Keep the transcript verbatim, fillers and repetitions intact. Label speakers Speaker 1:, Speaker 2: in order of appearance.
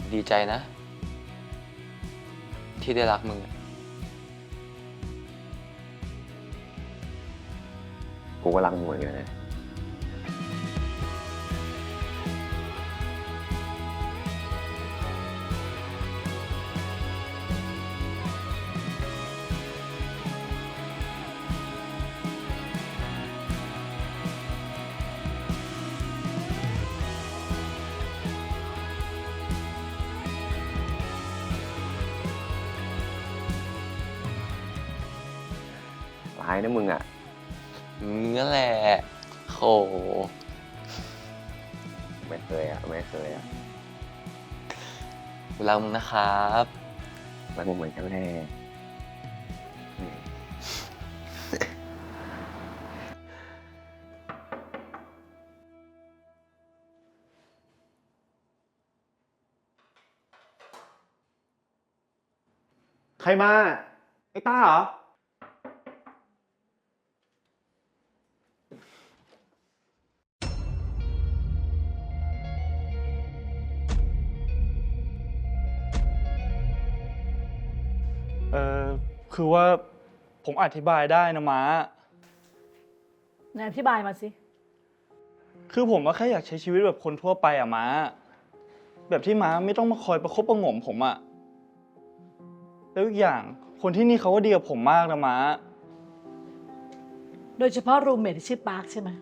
Speaker 1: ดีใจนะ ที่ได้รักมึง
Speaker 2: กูก็รักมึงเหมือนกันนะร้ายนะมึงอ่ะ
Speaker 1: มึงนั่นแหละโห
Speaker 2: ไม่เคยอ่ะ ไม่เคยอ่ะ
Speaker 1: กูรักมึงนะครับ
Speaker 2: รักมึงเหมือนกันแน่อืม
Speaker 3: ใครมา ไอ้ต้าเหรอ
Speaker 4: เออคือว่าผมอธิบายได้นะม้า
Speaker 5: ไหนอธิบายมาสิ
Speaker 4: คือผมก็แค่อยากใช้ชีวิตแบบคนทั่วไปอะม้า แบบที่ม้าไม่ต้องมาคอยประคบประหงมผมอะแล้วอีกอย่างคนที่นี่เขาก็ดีกับผมมากนะม้า
Speaker 5: โดยเฉพาะรูมเมทที่ชื่อปาร์คใช่ไหม